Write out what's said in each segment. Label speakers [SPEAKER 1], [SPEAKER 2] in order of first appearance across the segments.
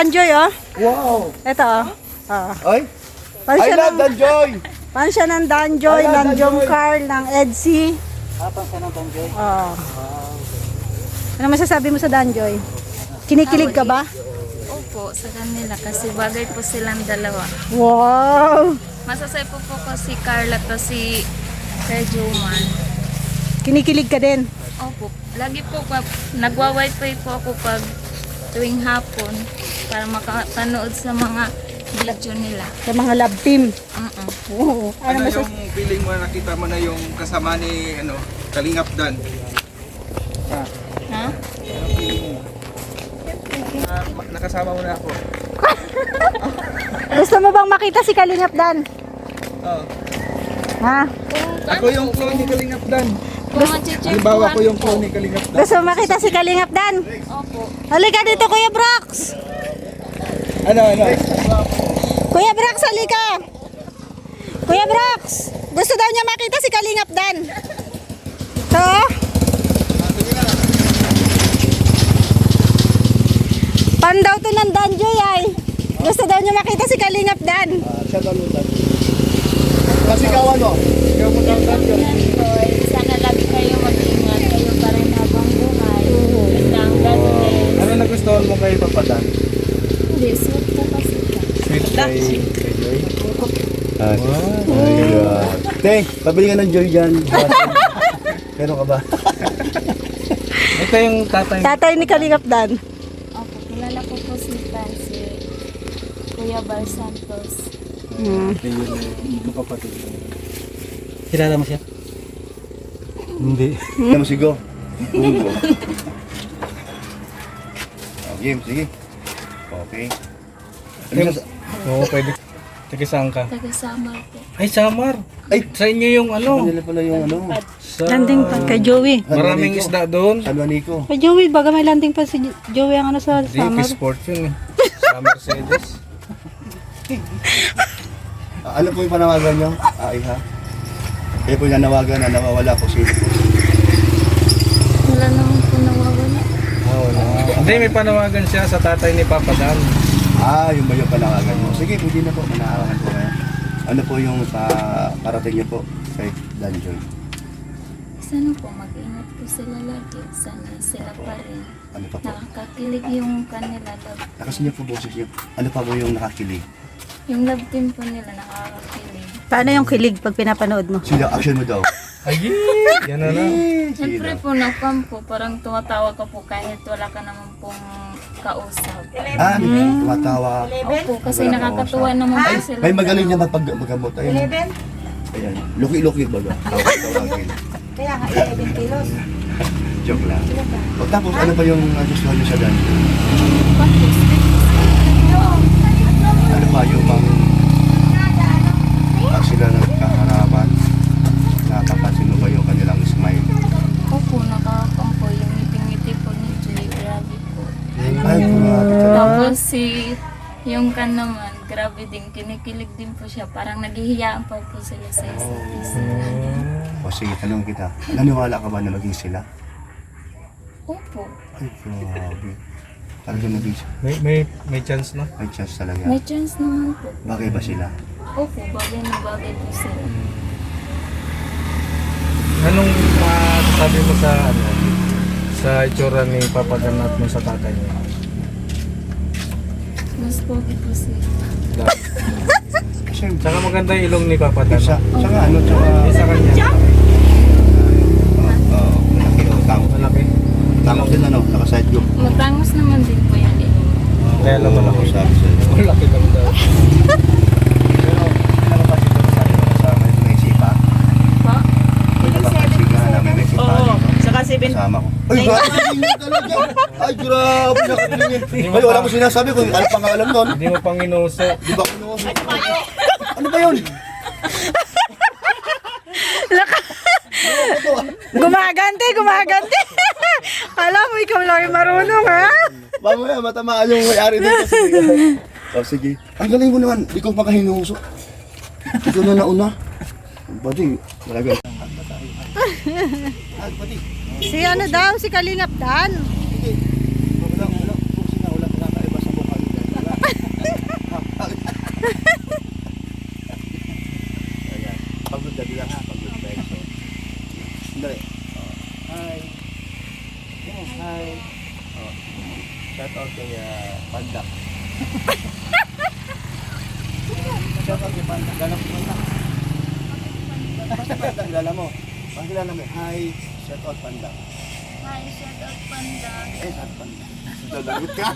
[SPEAKER 1] Danjoy, oh.
[SPEAKER 2] Wow!
[SPEAKER 1] Ito, oh.
[SPEAKER 2] Ay!
[SPEAKER 1] Pan
[SPEAKER 2] I
[SPEAKER 1] siya
[SPEAKER 2] love
[SPEAKER 1] ng,
[SPEAKER 2] Danjoy!
[SPEAKER 1] pan siya ng Danjoy,
[SPEAKER 2] I love
[SPEAKER 1] ng Jom
[SPEAKER 2] Danjoy.
[SPEAKER 1] Carl, ng Edsy.
[SPEAKER 2] Pan siya ng Danjoy?
[SPEAKER 1] Oh. Ano masasabi mo sa Danjoy? Kinikilig ka ba?
[SPEAKER 3] Opo, sa kanila kasi bagay po silang dalawa.
[SPEAKER 1] Wow!
[SPEAKER 3] Masasay po ko si Carla to si Sir Juman.
[SPEAKER 1] Kinikilig ka din.
[SPEAKER 3] Opo, lagi po nagwa-wifi po ako pag tuwing hapon para makapanood sa mga video nila.
[SPEAKER 1] Sa mga love team. Oo.
[SPEAKER 4] Ano yung feeling mo, nakita mo na yung kasama ni Kalingap Dan?
[SPEAKER 3] Ha?
[SPEAKER 4] Anong feeling mo? Nakasama mo na ako.
[SPEAKER 1] Gusto mo bang makita si Kalingap Dan?
[SPEAKER 4] Oh.
[SPEAKER 1] Ha?
[SPEAKER 4] Ako yung clone ni Kalingap Dan.
[SPEAKER 3] Kung machichirpuhan
[SPEAKER 4] Halimbawa ako yung
[SPEAKER 3] po.
[SPEAKER 4] clone ni Kalingap Dan.
[SPEAKER 1] Gusto mo makita si Kalingap Dan?
[SPEAKER 3] Opo.
[SPEAKER 1] Halika dito, Kuya Brox!
[SPEAKER 4] Ano?
[SPEAKER 1] Kuya Brox, halika! Kuya Brox! Gusto daw niya makita si Kalingap Dan. So? Pan daw to ng Danjoy ay. Gusto daw niya makita si Kalingap Dan.
[SPEAKER 2] Siya dalutan. Kasi kawan mo. Ikaw mo daw Danjoy.
[SPEAKER 3] Sana lagi kayo mag-ingat kayo pa rin habang buhay. Basta ang ganun
[SPEAKER 4] Ano nagustuhan mo kay Papa Dan?
[SPEAKER 3] Hindi, sweet po kasi siya.
[SPEAKER 4] Sweet kay Joy?
[SPEAKER 2] Te, pabili ka ng Joy dyan. Pero ka ba?
[SPEAKER 4] Ito yung tatay.
[SPEAKER 1] Tatay ni Kalingap Dan.
[SPEAKER 3] Opo, kilala ko po si Kuya Bar Santos.
[SPEAKER 4] Ito yung kapatid. Kilala mo siya? Hindi.
[SPEAKER 2] Alam mo sigo? Bungo. Game, sige. Okay.
[SPEAKER 4] Oo, pwede. Taga saan ka?
[SPEAKER 3] Taga Samar po.
[SPEAKER 4] Ay, Samar.
[SPEAKER 2] Ay!
[SPEAKER 4] Sa inyo yung
[SPEAKER 2] Kanila pala yung
[SPEAKER 4] Sa...
[SPEAKER 1] Landing pa kay Joey.
[SPEAKER 4] Maraming isda doon.
[SPEAKER 2] San Juanico.
[SPEAKER 1] Kay Joey, baga may landing pa si Joey ang ano sa
[SPEAKER 4] Hindi,
[SPEAKER 1] summer.
[SPEAKER 4] sport yun eh. Sa Mercedes.
[SPEAKER 2] Ano po yung panawagan nyo? Ay ha? Kaya po yung nanawagan na nawawala po sino po.
[SPEAKER 3] Wala naman po nawawala.
[SPEAKER 4] Wala. Hindi, may panawagan siya sa tatay ni Papa Dan.
[SPEAKER 2] Yung ba yung panawagan mo? Sige, pwede na po. Manahawakan po kayo. Ano po yung parating nyo po kay Danjoy?
[SPEAKER 3] Sana po mag-ingat po sila lagi. Sana sila pa rin.
[SPEAKER 2] Ano pa po?
[SPEAKER 3] Nakakakilig yung kanila love.
[SPEAKER 2] Lakas niyo po boses niyo. Ano pa po yung nakakilig?
[SPEAKER 3] Yung love team po nila nakakakilig.
[SPEAKER 1] Paano yung kilig pag pinapanood mo?
[SPEAKER 2] Sila, action mo daw.
[SPEAKER 4] Ay, yan na lang.
[SPEAKER 3] Siyempre po nakampo, parang tumatawa ka po kahit wala ka naman pong kausap.
[SPEAKER 2] Tumatawa.
[SPEAKER 3] Opo, kasi nakakatuwa naman po sila.
[SPEAKER 2] May magaling niya magpagamot. Ayun. Ayan. Luki-luki baga. Tawagin.
[SPEAKER 1] Kaya nga, 11 kilos.
[SPEAKER 2] Joke lang. O tapos, ano pa yung gusto niyo sa Danjoy? Ano pa yung sila nagkaharapan? Nakapansin mo ba yung kanilang smile?
[SPEAKER 3] Opo, nakakampo yung ngiti-ngiti po ni Jay. Grabe po.
[SPEAKER 2] Ay, grabe ka.
[SPEAKER 3] Tapos yung kan naman, grabe din, kinikilig din po siya. Parang naghihiyaan pa po sila sa isa't isa.
[SPEAKER 2] O sige, tanong kita. Naniwala ka ba na maging sila?
[SPEAKER 3] Opo,
[SPEAKER 2] Ay, grabe. Talagang maging sila.
[SPEAKER 4] May chance na.
[SPEAKER 2] May chance talaga.
[SPEAKER 3] may chance naman po.
[SPEAKER 2] Bagay ba sila?
[SPEAKER 3] Opo, bagay na bagay po sila.
[SPEAKER 4] Anong sabi mo sa itsura ni Papa Dan at mo sa tatay niya?
[SPEAKER 3] Mas pogi po sila.
[SPEAKER 2] Kasi,
[SPEAKER 4] Tsaka maganda yung ilong ni Papa Dan.
[SPEAKER 2] tsaka ano, tsaka...
[SPEAKER 4] Sa kanya.
[SPEAKER 2] Malaki o tamo.
[SPEAKER 4] Malaki.
[SPEAKER 2] Tamo din ano, naka-side view.
[SPEAKER 3] Matangos naman din po yan eh.
[SPEAKER 4] Kaya lang malaki.
[SPEAKER 2] Sabi sa'yo.
[SPEAKER 4] Malaki lang daw.
[SPEAKER 2] Pero, ano pa dito sa may sipa?
[SPEAKER 3] Po?
[SPEAKER 2] May napapansin ka na may sipa dito.
[SPEAKER 1] Saka 7.
[SPEAKER 2] Kasama ko. Ay, grabe yun talaga. Ay, grabe. Nakatingin. Ay, wala mo sinasabi kung ano pangalan nun.
[SPEAKER 4] Hindi mo pang inuso.
[SPEAKER 2] Di ba kinuha? Ano ba yun?
[SPEAKER 1] Gumagante. Alam mo, ikaw lang yung marunong, ha?
[SPEAKER 2] Mamaya, matamaan yung may-ari dito. Sige. Ang galing mo naman. Di ko makahinuso. Ikaw na nauna. Pati, talaga. Pati.
[SPEAKER 1] Si ano daw, si Kalingap Dan.
[SPEAKER 2] Wala. Wala. Wala. Wala. Wala. Wala. Pandak. Shout out kay Pandak. Dala mo Pandak. Basta Pandak, dala mo. Pagkilala mo, hi, shout out Pandak.
[SPEAKER 3] Hi, shout out Panda.
[SPEAKER 2] Eh, shout out Pandak. Dadagot ka.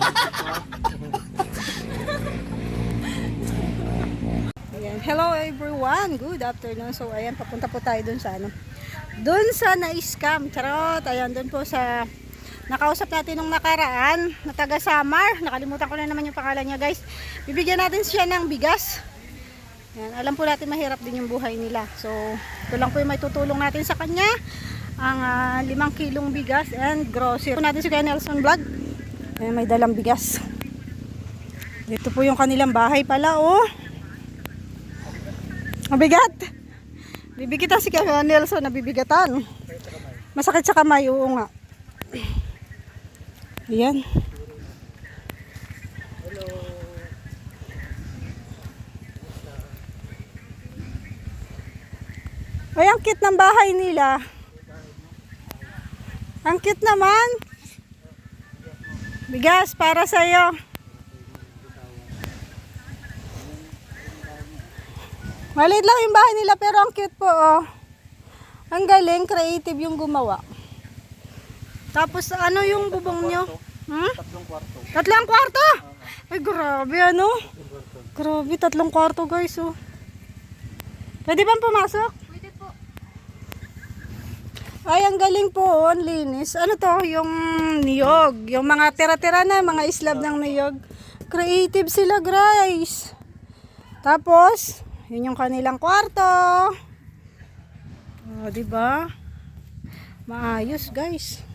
[SPEAKER 1] Ayan. Hello everyone, good afternoon. So ayan, papunta po tayo dun sa ano, dun sa na-scam, charot. Ayan, dun po sa nakausap natin nung nakaraan na taga Samar. Nakalimutan ko na naman yung pangalan niya, guys. Bibigyan natin siya ng bigas. Ayan, alam po natin mahirap din yung buhay nila. So ito lang po yung may tutulong natin sa kanya, ang 5 kilong bigas and grocery. Ito natin si Kuya Nelson Vlog. Ayan, may dalang bigas. Dito po yung kanilang bahay pala, oh. Mabigat. Bibigita si Kuya Nelson, nabibigatan. Masakit sa kamay, oo nga. Ayan. Ay, ang cute ng bahay nila. Ang cute naman. Bigas para sa'yo. Maliit lang yung bahay nila pero ang cute po, oh. Ang galing, creative yung gumawa. Tapos ano yung bubong nyo?
[SPEAKER 2] Tatlong kwarto.
[SPEAKER 1] 3 kwarto? Ay grabe ano? Grabe, 3 kwarto guys, oh. Pwede bang pumasok?
[SPEAKER 3] Pwede po.
[SPEAKER 1] Ay, ang galing po, oh. Ang linis. Ano to? Yung niyog. Yung mga tira-tira na, mga islab ng niyog. Creative sila, guys. Tapos yun yung kanilang kwarto. Oh, di ba? Maayos, guys.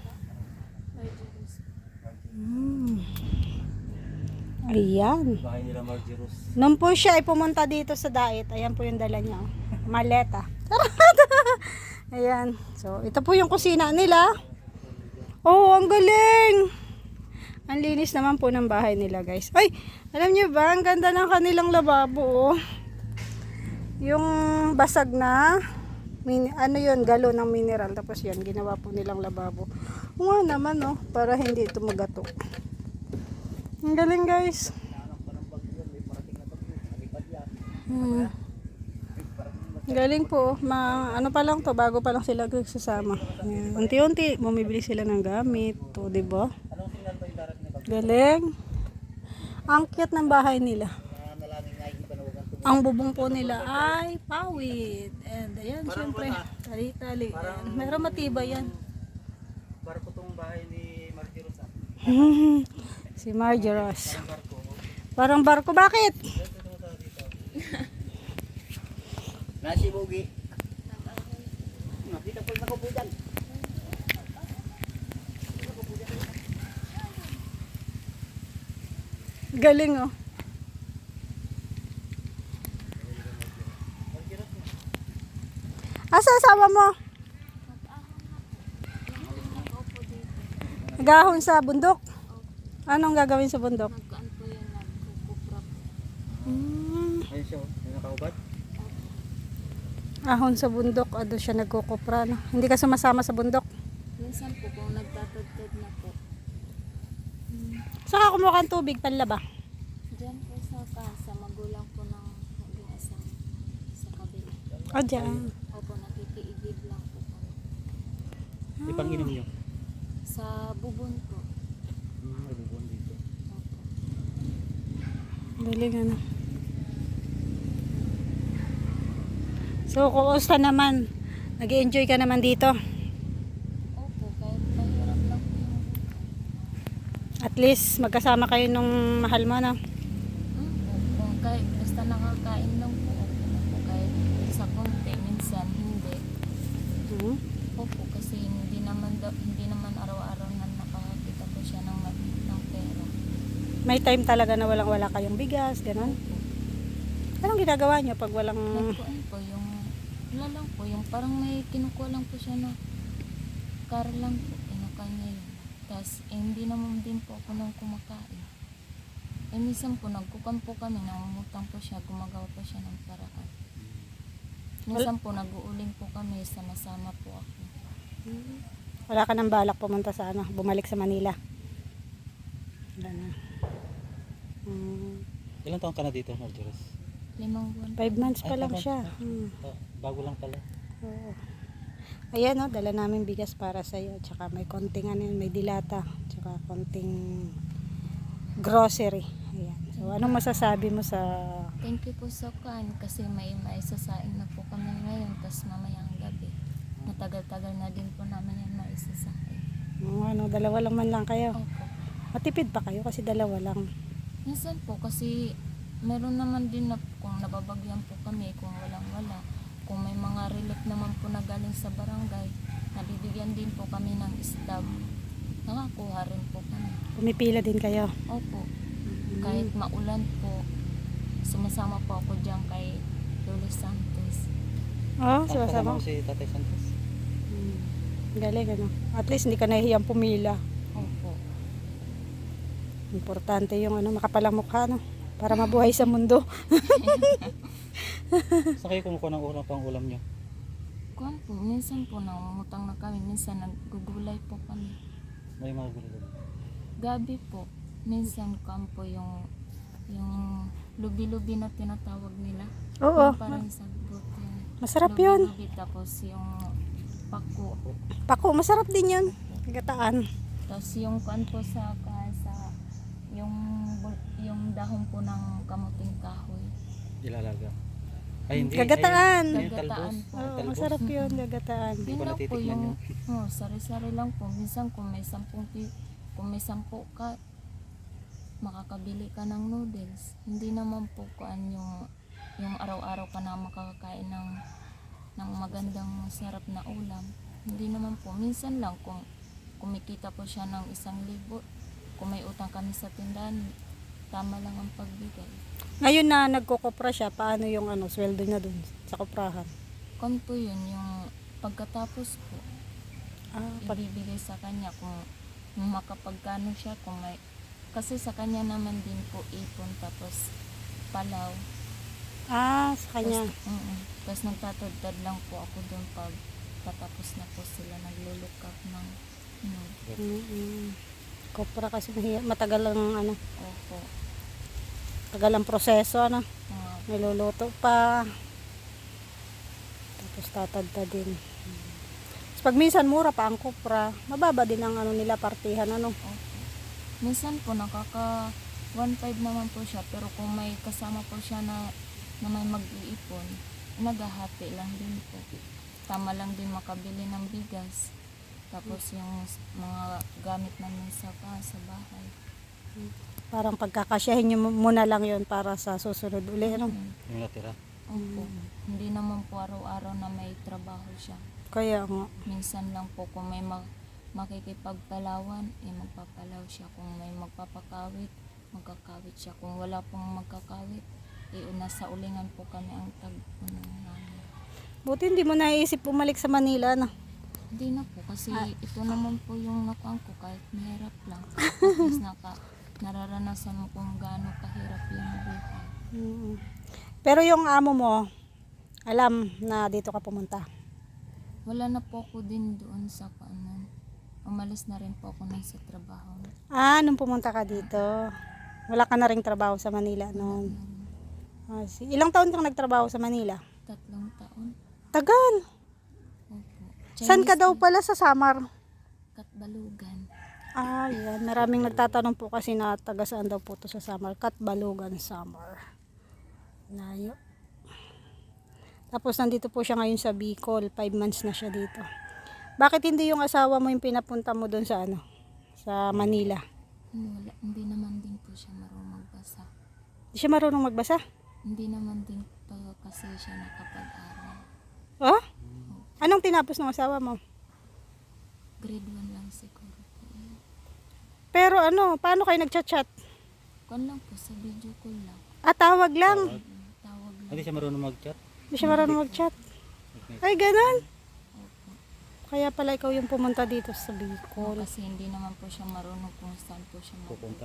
[SPEAKER 1] Ayan.
[SPEAKER 4] Bahay nila Marjeros.
[SPEAKER 1] Nung po siya ay pumunta dito sa diet, ayan po yung dala niya. Oh. Maleta. Ayan. So, ito po yung kusina nila. Oh, ang galing. Ang linis naman po ng bahay nila, guys. Ay, alam niyo ba, ang ganda ng kanilang lababo, oh. Yung basag na ano yun, galon ng mineral, tapos yan ginawa po nilang lababo. Oo nga naman, oh, para hindi ito magato. Ang galing, guys. Galing po, ano pa lang to, bago pa lang sila nagsasama. Ayan. Unti-unti bumibili sila ng gamit to, di ba? Galing. Ang cute ng bahay nila. Ang bubong po nila ay pawid. And ayan, syempre, tali-tali. Ayan. Meron matibay yan.
[SPEAKER 4] Barko tong bahay ni Marjeros.
[SPEAKER 1] Si Marjeros. Parang barko. Bakit?
[SPEAKER 2] Nasi Bogi. Nakita po nakupudan.
[SPEAKER 1] Galing, oh. Asa asawa mo? Nagahon sa bundok? Anong gagawin sa bundok?
[SPEAKER 3] Nagkaan po yun, nagkukuprap.
[SPEAKER 4] Ayun siya, may nakaubat.
[SPEAKER 1] Ahon sa bundok, ano siya nagkukupra, no? Hindi ka sumasama sa bundok?
[SPEAKER 3] Minsan po kung nagtatagtad na po.
[SPEAKER 1] Saka kumuha kang tubig, panlaba.
[SPEAKER 3] Diyan po sa kasa, magulang po ng maging asawa sa kabila.
[SPEAKER 1] O, dyan.
[SPEAKER 3] Opo, nakikiigib lang po kami.
[SPEAKER 4] Ipang-inom niyo.
[SPEAKER 3] Sa bubon po.
[SPEAKER 4] May bubon dito.
[SPEAKER 3] Opo.
[SPEAKER 1] Galing, ano. So, kumusta naman? Nag-enjoy ka naman dito?
[SPEAKER 3] Opo, kahit mahirap lang po yung
[SPEAKER 1] At least, magkasama kayo nung mahal mo, no?
[SPEAKER 3] opo, kahit basta nakakain lang po. Opo na po, kahit sa konti, minsan hindi. Opo, kasi hindi naman araw-araw na nakakita po siya ng pera.
[SPEAKER 1] May time talaga na walang-wala kayong bigas, gano'n? Anong ginagawa niyo pag walang...
[SPEAKER 3] Nagpuan po yung, wala lang po, yung parang may kinukuha lang po siya na car lang po, kinukuha niya yun. Tapos, hindi naman din po ako nang kumakain. Minsan po, nagkukan po kami, nangungutang po siya, gumagawa po siya ng paraan. Minsan po, nag-uuling po kami, sama-sama po ako.
[SPEAKER 1] Wala ka nang balak pumunta sa bumalik sa Manila? Wala na.
[SPEAKER 5] Ilang taon ka na dito, Marjorie?
[SPEAKER 3] 5 buwan.
[SPEAKER 1] 5 months pa
[SPEAKER 5] Ay,
[SPEAKER 1] lang
[SPEAKER 5] tapos-
[SPEAKER 1] siya.
[SPEAKER 5] Bago lang pala.
[SPEAKER 1] Oo. Ayan, oh, dala namin bigas para sa iyo. Tsaka may konting ano, yun, may dilata. Tsaka konting grocery. Ayan. So, anong masasabi mo sa...
[SPEAKER 3] Thank you po sa kan kasi may maisasaing na po kami ngayon tas mamayang gabi. Matagal-tagal na din po namin yan maisasaing.
[SPEAKER 1] Ano, dalawa lang man lang kayo.
[SPEAKER 3] Opo.
[SPEAKER 1] Matipid pa kayo kasi dalawa lang.
[SPEAKER 3] Minsan po kasi meron naman din na kung nababagyan po kami, kung walang-wala. Kung may mga relief naman po na galing sa barangay, nabibigyan din po kami ng staff. Nakakuha rin po kami.
[SPEAKER 1] Pumipila din kayo.
[SPEAKER 3] Opo. Kahit maulan po, sumasama po ako dyan kay Lolo Santos.
[SPEAKER 1] Oh,
[SPEAKER 5] Kasama
[SPEAKER 1] sumasama.
[SPEAKER 5] mo si Tatay Santos.
[SPEAKER 1] Galing, ano. At least hindi ka nahihiyang pumila.
[SPEAKER 3] Opo.
[SPEAKER 1] Importante yung ano, makapalang mukha, no? Para mabuhay sa mundo.
[SPEAKER 5] Saan kayo kumukuha ng ulam pang ulam nyo?
[SPEAKER 3] Kuwan po, minsan po nangungutang na kami, minsan naggugulay po kami.
[SPEAKER 5] May mga gulay.
[SPEAKER 3] Gabi po, minsan kuwan po yung lubi-lubi na tinatawag nila.
[SPEAKER 1] Oo.
[SPEAKER 3] Yung parang sagbot yun.
[SPEAKER 1] Masarap yun.
[SPEAKER 3] Lubi-lubi tapos yung pako.
[SPEAKER 1] Pako, masarap din yun. Gataan.
[SPEAKER 3] Tapos yung kuwan po sa yung dahon po ng kamuting kahoy.
[SPEAKER 5] Ilalaga. Ay, hindi.
[SPEAKER 1] Gagataan.
[SPEAKER 5] Ay, yung
[SPEAKER 3] Gagataan
[SPEAKER 5] talbos.
[SPEAKER 3] po.
[SPEAKER 1] Oo,
[SPEAKER 5] Talbos.
[SPEAKER 1] masarap yun, gagataan.
[SPEAKER 5] Hindi ko
[SPEAKER 3] Yun lang po
[SPEAKER 5] natitikman
[SPEAKER 3] yung,
[SPEAKER 5] yun.
[SPEAKER 3] sari-sari lang po. Minsan kung may 10 ka, makakabili ka ng noodles. Hindi naman po kuan yung araw-araw ka na makakakain ng magandang sarap na ulam. Hindi naman po. Minsan lang kung kumikita po siya ng 1,000, kung may utang kami sa tindahan, tama lang ang pagbigay.
[SPEAKER 1] Ngayon na nagkukopra siya, paano yung ano, sweldo niya dun sa koprahan?
[SPEAKER 3] Kung po yun, yung pagkatapos po, ibibigay sa kanya kung makapagkano siya, kung may, kasi sa kanya naman din po ipon tapos palaw.
[SPEAKER 1] Sa kanya.
[SPEAKER 3] Tapos nagtatagdad lang po ako doon pag patapos na po sila nagluluk up ng
[SPEAKER 1] Kopra kasi matagal ang ano,
[SPEAKER 3] opo.
[SPEAKER 1] tagal ang proseso, ano.
[SPEAKER 3] Mga
[SPEAKER 1] Niluluto pa. Tapos tatadta din. Tapos pag minsan mura pa ang kopra, mababa din ang ano nila partihan, ano.
[SPEAKER 3] opo. Minsan po nakaka 1.5 naman po siya pero kung may kasama po siya na may mag-iipon, naghahati lang din po. Tama lang din makabili ng bigas. Tapos yung mga gamit namin sa bahay.
[SPEAKER 1] Parang pagkakasyahin nyo muna lang yon para sa susunod uli, ano.
[SPEAKER 5] Yung natira.
[SPEAKER 3] Opo. Hindi naman po araw-araw na may trabaho siya.
[SPEAKER 1] Kaya nga.
[SPEAKER 3] Minsan lang po kung may makikipagpalawan, magpapalaw siya. Kung may magpapakawit, magkakawit siya. Kung wala pong magkakawit, nasa ulingan po kami ang tag-puno namin.
[SPEAKER 1] Buti hindi mo naisip bumalik sa Manila, no.
[SPEAKER 3] Hindi na po kasi ito naman po yung nakuha ko kahit mahirap lang. At least nararanasan mo kung gaano kahirap yung buhay.
[SPEAKER 1] Pero yung amo mo, alam na dito ka pumunta.
[SPEAKER 3] Wala na po ako din doon sa paanan. Umalis na rin po ako sa trabaho.
[SPEAKER 1] Nung pumunta ka dito, wala ka na ring trabaho sa Manila noon. Ilang taon kang nagtrabaho sa Manila?
[SPEAKER 3] 3 taon.
[SPEAKER 1] Tagal.
[SPEAKER 3] Opo.
[SPEAKER 1] Saan ka daw pala sa Samar?
[SPEAKER 3] Katbalugan.
[SPEAKER 1] Yan. Maraming nagtatanong po kasi na taga saan daw po to sa Samar. Katbalugan, Samar. Layo. Tapos nandito po siya ngayon sa Bicol. 5 months na siya dito. Bakit hindi yung asawa mo yung pinapunta mo doon sa sa Manila?
[SPEAKER 3] Wala, hindi naman din po siya marunong magbasa.
[SPEAKER 1] Hindi siya marunong magbasa?
[SPEAKER 3] Hindi naman din pa kasi siya nakapag-aral.
[SPEAKER 1] Oh? Anong tinapos ng asawa mo?
[SPEAKER 3] Grade 1 lang siguro po.
[SPEAKER 1] Pero paano kayo nagchat-chat?
[SPEAKER 3] Kung lang po sa video call lang.
[SPEAKER 1] Tawag lang.
[SPEAKER 3] Tawag lang.
[SPEAKER 5] Hindi siya marunong mag-chat.
[SPEAKER 1] Hindi siya marunong mag-chat. Ay, ganun. Kaya pala ikaw yung pumunta dito sa Bicol.
[SPEAKER 3] Kasi hindi naman po siya marunong kung saan po siya pupunta.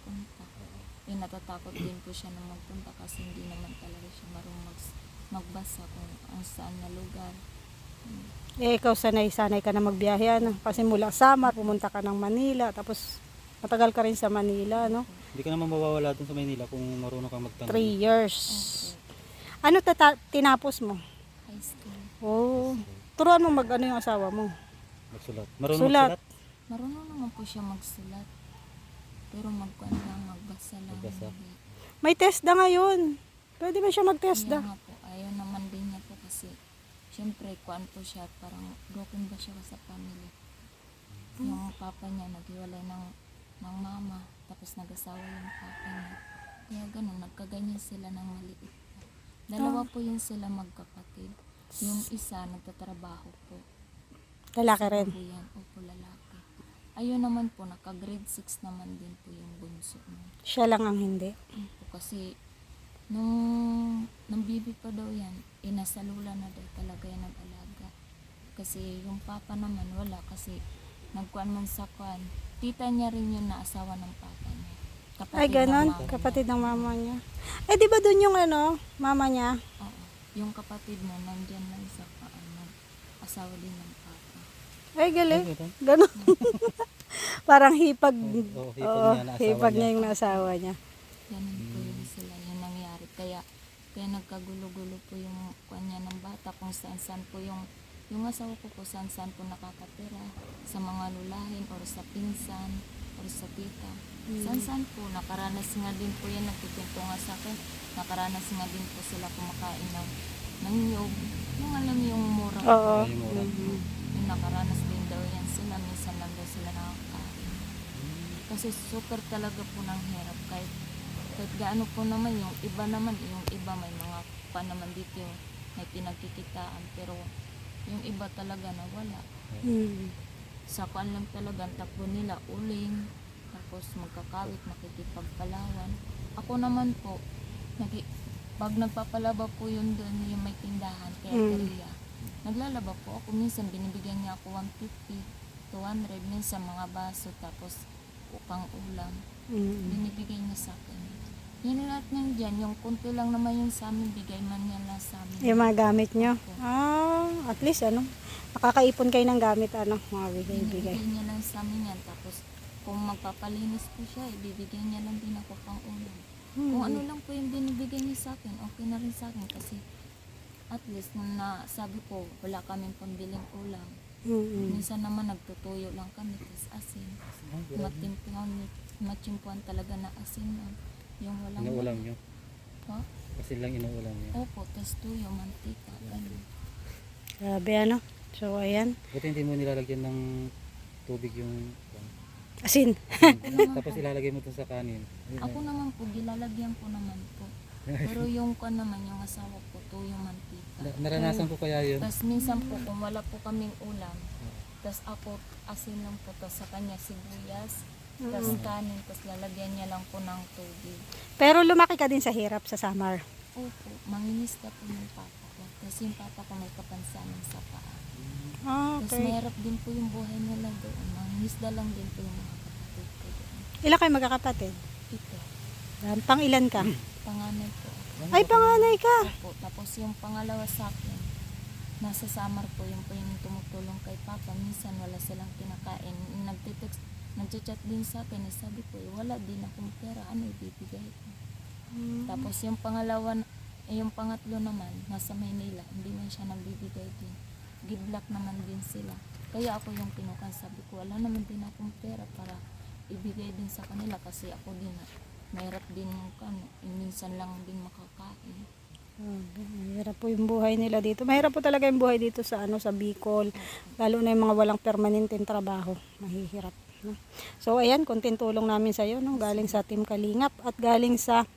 [SPEAKER 3] Natatakot din po siya na magpunta kasi hindi naman talaga siya marunong magbasa kung ang saan na lugar.
[SPEAKER 1] Ikaw sanay ka na magbiyahe, Kasi mula Samar, pumunta ka ng Manila, tapos matagal ka rin sa Manila,
[SPEAKER 5] Hindi ka naman mawawala dun sa Maynila kung marunong kang magtanong.
[SPEAKER 1] 3 years. Ano tinapos mo?
[SPEAKER 3] High school.
[SPEAKER 1] Oh. Turuan mo mag ano yung asawa mo.
[SPEAKER 5] Magsulat. Marunong
[SPEAKER 1] Sulat.
[SPEAKER 5] magsulat?
[SPEAKER 3] Marunong naman po siya magsulat. Pero magbasa lang.
[SPEAKER 5] Magbasa.
[SPEAKER 3] Hindi.
[SPEAKER 1] May TESDA ngayon. Pwede ba siya
[SPEAKER 3] Kaya
[SPEAKER 1] mag-TESDA?
[SPEAKER 3] nga po, ayaw naman din niya po kasi syempre, kuan po siya, parang broken ba siya sa family. Yung papa niya naghiwalay ng mama, tapos nag-asawa yung papa niya. Kaya ganun, nagkaganyan sila ng maliit. Dalawa po yun sila magkapatid. Yung isa nagtatrabaho po.
[SPEAKER 1] Lalaki rin.
[SPEAKER 3] Po yan, opo lalaki. Ayun naman po, naka-grade 6 naman din po yung bunso niya.
[SPEAKER 1] Siya lang ang hindi.
[SPEAKER 3] Po, kasi nung bibi pa daw yan, inasalula na daw talaga yan nag-alaga. Kasi yung papa naman wala kasi nagkuan man sa kuan. Tita niya rin yun na asawa ng papa niya. Kapatid
[SPEAKER 1] Ay,
[SPEAKER 3] ng
[SPEAKER 1] ganon.
[SPEAKER 3] mama
[SPEAKER 1] Kapatid
[SPEAKER 3] niya.
[SPEAKER 1] ng mama niya. Eh, di ba dun yung ano, mama niya?
[SPEAKER 3] Oo. Yung kapatid niya nandyan lang sa asawa din ng papa.
[SPEAKER 1] Ay, galing.
[SPEAKER 5] Ay, ganun.
[SPEAKER 1] Ganon. Parang hipag.
[SPEAKER 5] Oo, hipag
[SPEAKER 1] Oo,
[SPEAKER 5] niya na asawa
[SPEAKER 1] hipag
[SPEAKER 5] niya.
[SPEAKER 1] niya yung asawa niya.
[SPEAKER 3] Ganun po yun sila. Yung nangyari. Kaya nagkagulo-gulo po yung kanya ng bata kung saan-saan po yung asawa ko po saan-saan po nakakatira sa mga lulahin or sa pinsan or sa tita. Saan-saan po nakaranas nga din po yan, nagtitinto nga sa akin, nakaranas nga din po sila kumakain ng niyog. Yung alam niyo yung mura.
[SPEAKER 1] Oo.
[SPEAKER 5] Ay, mura.
[SPEAKER 3] Yung nakaranas din daw yan sila, minsan lang daw sila nakakain. Kasi super talaga po ng hirap kahit gaano po naman yung iba may mga pa naman dito yung may pinagkikitaan pero yung iba talaga nawala.
[SPEAKER 1] Hmm.
[SPEAKER 3] Sa kuan lang talaga ang takbo nila uling tapos magkakawit makikipagpalawan. Ako naman po pag nagpapalaba po yun doon yung may tindahan kaya Korea. Naglalaba po ako minsan binibigyan niya ako 150 200 minsan mga baso tapos upang ulam binibigay niya sa akin. Yan lahat ng dyan, yung kunti lang naman yung sa amin, bigay man niya lang sa amin.
[SPEAKER 1] Yung mga gamit nyo. Ah, at least ano, nakakaipon kayo ng gamit, ano, mga bigay-bigay.
[SPEAKER 3] Binibigay niya lang sa amin yan. Tapos, kung magpapalinis po siya, ibibigay niya lang din ako pang ulam. Kung ano lang po yung binibigay niya sa akin, okay na rin sa akin. Kasi, at least, nung sabi ko, wala kaming pambiling ulam. Minsan naman, nagtutuyo lang kami, tapos asin. Matimpuan talaga na asin. Yung walang
[SPEAKER 5] Inuulam nyo.
[SPEAKER 3] Ha?
[SPEAKER 5] Kasi lang inuulam nyo.
[SPEAKER 3] Opo, tapos tuyo, mantika, ganun.
[SPEAKER 1] Grabe, ano. So, ayan.
[SPEAKER 5] Buti hindi mo nilalagyan ng tubig yung
[SPEAKER 1] Asin.
[SPEAKER 5] tapos ilalagay mo dun sa kanin. Ayun,
[SPEAKER 3] Ako naman po, gilalagyan ko naman po. Pero yung ko naman, yung asawa ko, tuyo, mantika.
[SPEAKER 5] naranasan ko kaya yun.
[SPEAKER 3] Tapos minsan po, kung wala po kaming ulam, tapos ako, asin lang po, tapos sa kanya sibuyas, tapos kanin, tapos lalagyan niya lang po ng tubig.
[SPEAKER 1] Pero lumaki ka din sa hirap sa summer.
[SPEAKER 3] Opo, manginis ka po ng papa ko. Tapos yung papa ko may kapansanan sa paa.
[SPEAKER 1] Ah,
[SPEAKER 3] Tapos
[SPEAKER 1] okay.
[SPEAKER 3] mahirap din po yung buhay nila doon. Mangingisda lang din po yung mga kapatid ko doon.
[SPEAKER 1] Ilan kayo magkakapatid?
[SPEAKER 3] Ito,
[SPEAKER 1] Pang ilan ka?
[SPEAKER 3] panganay po.
[SPEAKER 1] Ay, panganay ka.
[SPEAKER 3] Opo, tapos yung pangalawa sa akin, nasa Samar po, yung tumutulong kay Papa. Minsan wala silang kinakain. Nagchat din sa akin, sabi ko, wala din akong pera, ano ibibigay ko. Tapos yung yung pangatlo naman, nasa Maynila, hindi man siya nagbibigay din. Give-block naman din sila. Kaya ako yung pinukan, sabi ko, wala naman din akong pera para ibigay din sa kanila kasi ako din, mahirap din minsan lang din makakain.
[SPEAKER 1] Mahirap po yung buhay nila dito. Mahirap po talaga yung buhay dito sa sa Bicol. Lalo na yung mga walang permanenteng trabaho. Mahihirap. No? So ayan, konting tulong namin sa iyo, no? Galing sa Team Kalingap at galing sa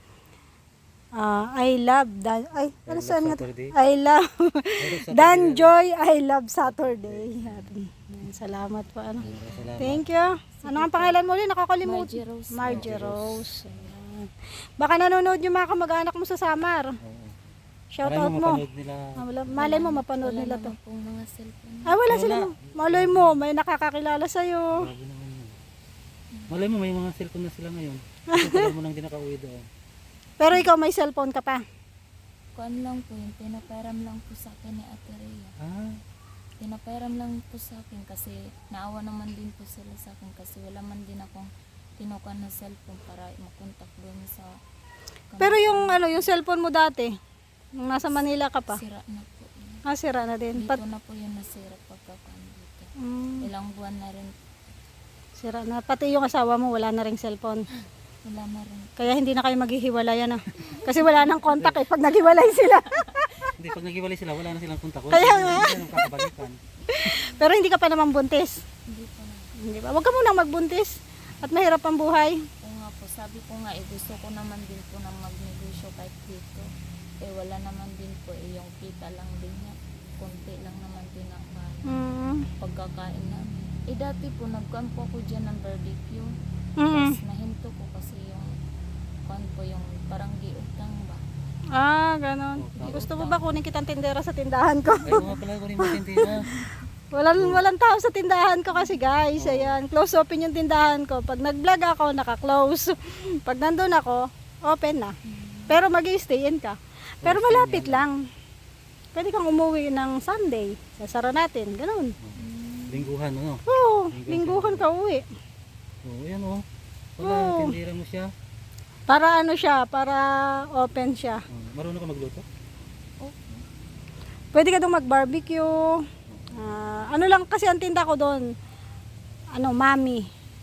[SPEAKER 1] I love ano sa nga?
[SPEAKER 5] Saturday.
[SPEAKER 1] I love Dan Joy, I love Saturday. Ayan, salamat po ano.
[SPEAKER 5] Salamat.
[SPEAKER 1] Thank you. Ano ang pangalan mo ulit? Nakakalimutan.
[SPEAKER 3] Margie Rose.
[SPEAKER 1] Margie Rose. Ayan. Baka nanonood yung mga kamag-anak mo sa Samar.
[SPEAKER 5] Oo.
[SPEAKER 1] Shout
[SPEAKER 5] Malay
[SPEAKER 1] out
[SPEAKER 5] mo
[SPEAKER 1] mo.
[SPEAKER 5] mapanood nila.
[SPEAKER 1] Malay mo mapanood
[SPEAKER 3] Wala
[SPEAKER 1] nila to.
[SPEAKER 3] naman pong mga cellphone.
[SPEAKER 1] Wala sila. Malay mo, may nakakakilala sa'yo.
[SPEAKER 5] Grabe naman yun. Malay mo may mga cellphone na sila ngayon. Kasi tagal mo nang di nakauwi doon.
[SPEAKER 1] Pero ikaw may cellphone ka pa.
[SPEAKER 3] Kuan lang po, yung pinaperam lang po sa akin ni Ate Rhea.
[SPEAKER 5] Ah,
[SPEAKER 3] Pinaperam lang po sa akin kasi naawa naman din po sila sa akin kasi wala man din akong kinuha na cellphone para makontak doon sa
[SPEAKER 1] Pero yung yung cellphone mo dati, nung nasa Manila ka pa,
[SPEAKER 3] sira na po.
[SPEAKER 1] sira na din.
[SPEAKER 3] Dito na po yung nasira pagkakaan dito. Ilang buwan na rin,
[SPEAKER 1] Sira na. Pati yung asawa mo, wala na ring cellphone.
[SPEAKER 3] wala na rin.
[SPEAKER 1] Kaya hindi na kayo maghihiwalayan Kasi wala nang contact pag naghiwalay sila.
[SPEAKER 5] Hindi, pag naghiwalay sila, wala na silang kontak.
[SPEAKER 1] Kaya nga.
[SPEAKER 5] Hindi na kakabalikan.
[SPEAKER 1] Pero hindi ka pa naman buntis.
[SPEAKER 3] Hindi po na.
[SPEAKER 1] Hindi ba? Huwag ka munang magbuntis. At mahirap ang buhay.
[SPEAKER 3] Oo nga po, sabi ko nga, gusto ko naman din po na magnegosyo kahit dito. Wala naman din po, yung kita lang din niya. Konti lang naman din ang pagkakain namin. Dati po, nagkuhan po ako dyan ng barbecue. Tapos nahinto ko kasi yung kuhan po, yung parang giutang ba.
[SPEAKER 1] Ganon. Gusto mo ba kunin kitang tindera sa tindahan ko?
[SPEAKER 5] Ay, mga pala ko rin matintira.
[SPEAKER 1] Walang tao sa tindahan ko kasi guys. Ayan, close open yung tindahan ko. Pag nag-vlog ako, naka-close. Pag nandun ako, open na. Pero mag-i-stay in ka. Pero malapit lang. Pwede kang umuwi ng Sunday. Sasara natin. Ganon.
[SPEAKER 5] Lingguhan, ano?
[SPEAKER 1] Oo, lingguhan ka uwi.
[SPEAKER 5] Oo, yan o. Wala, tindira mo siya.
[SPEAKER 1] Para siya, para open siya.
[SPEAKER 5] Marunong ka magluto?
[SPEAKER 1] Pwede ka doon mag-barbecue. Ano lang kasi ang tinda ko doon. Mami.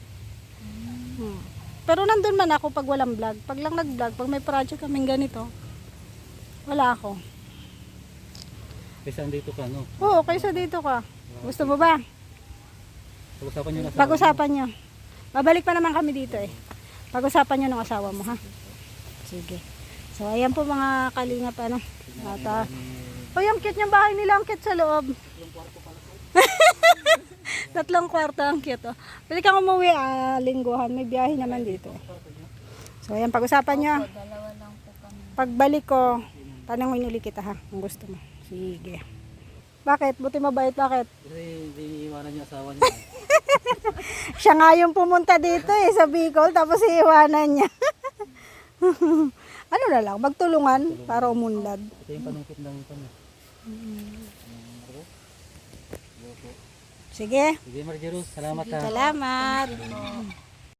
[SPEAKER 1] Pero nandun man ako pag walang vlog. Pag lang nag-vlog, pag may project kaming ganito, wala ako.
[SPEAKER 5] Kaysa andito ka, no?
[SPEAKER 1] Oo, kaysa dito ka. Gusto mo ba?
[SPEAKER 5] Pag-usapan nyo na sa
[SPEAKER 1] Pag-usapan nyo. Babalik pa naman kami dito Pag-usapan nyo ng asawa mo, ha? Sige. So, ayan po mga kalingap, At, ang cute yung bahay nila, ang cute sa loob. 3 kwarto ang cute, Pwede kang umuwi, lingguhan. May biyahe naman dito. So, ayan, pag-usapan nyo.
[SPEAKER 3] Opo, dalawa lang po kami.
[SPEAKER 1] Pagbalik ko, tanongin uli kita, ha? Kung gusto mo. Sige. Bakit? Buti mabait, bakit?
[SPEAKER 5] Kasi hindi iiwanan yung asawa niya.
[SPEAKER 1] Siya nga yung pumunta dito sa Bicol, tapos iiwanan niya. Ano na lang, magtulungan para umunlad.
[SPEAKER 5] Ito yung panungkit ng kanya.
[SPEAKER 1] Sige.
[SPEAKER 5] Sige, Marjerus, salamat ha.
[SPEAKER 1] Salamat.